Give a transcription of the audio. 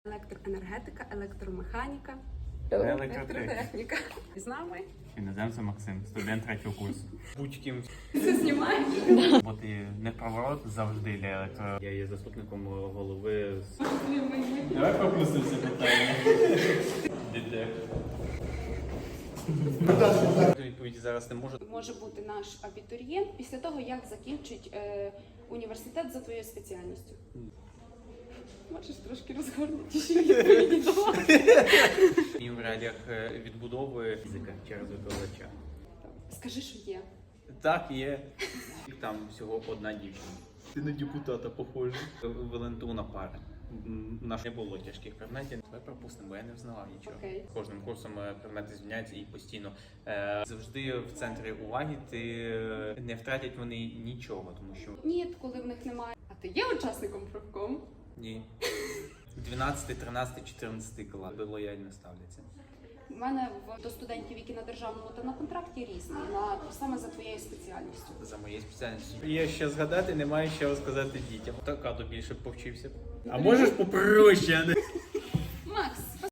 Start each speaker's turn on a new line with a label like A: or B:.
A: Електроенергетика, електромеханіка,
B: Електротехніка.
A: електротехніка. З нами.
B: Іноземцем Максим, студент 3-го курсу. Будь-ким.
A: Все знімаєш?
B: Бо ти не поворот завжди для електро. Я є заступником голови. Давай пропустимо це питання. Дідек. Відповіді зараз не можу.
A: Може бути наш абітурієнт після того, як закінчить університет за твоєю спеціальністю. Можеш трошки розгорнутіші відповіді давати.
B: І в реаліях відбудови фізика через викладача.
A: Скажи, що є.
B: Так, є. Там всього одна дівчина. Ти на депутата похожа. Валентуна пара. У нас не було тяжких предметів. Давай пропустимо, бо я не взнала нічого.
A: Окей.
B: Кожним курсом предмети зміняються і постійно. Завжди в центрі уваги не втратять вони нічого, тому що...
A: Ні, коли в них немає. А ти є учасником профкому?
B: Ні. 12, 13, 14 клас лояльно ставляться.
A: У мене до студентів, які на державному та на контракті, різні, саме за твоєю спеціальністю.
B: За моєю спеціальністю. Є що згадати, немає що розказати дітям. Так, Кадо більше повчився. А можеш попроще?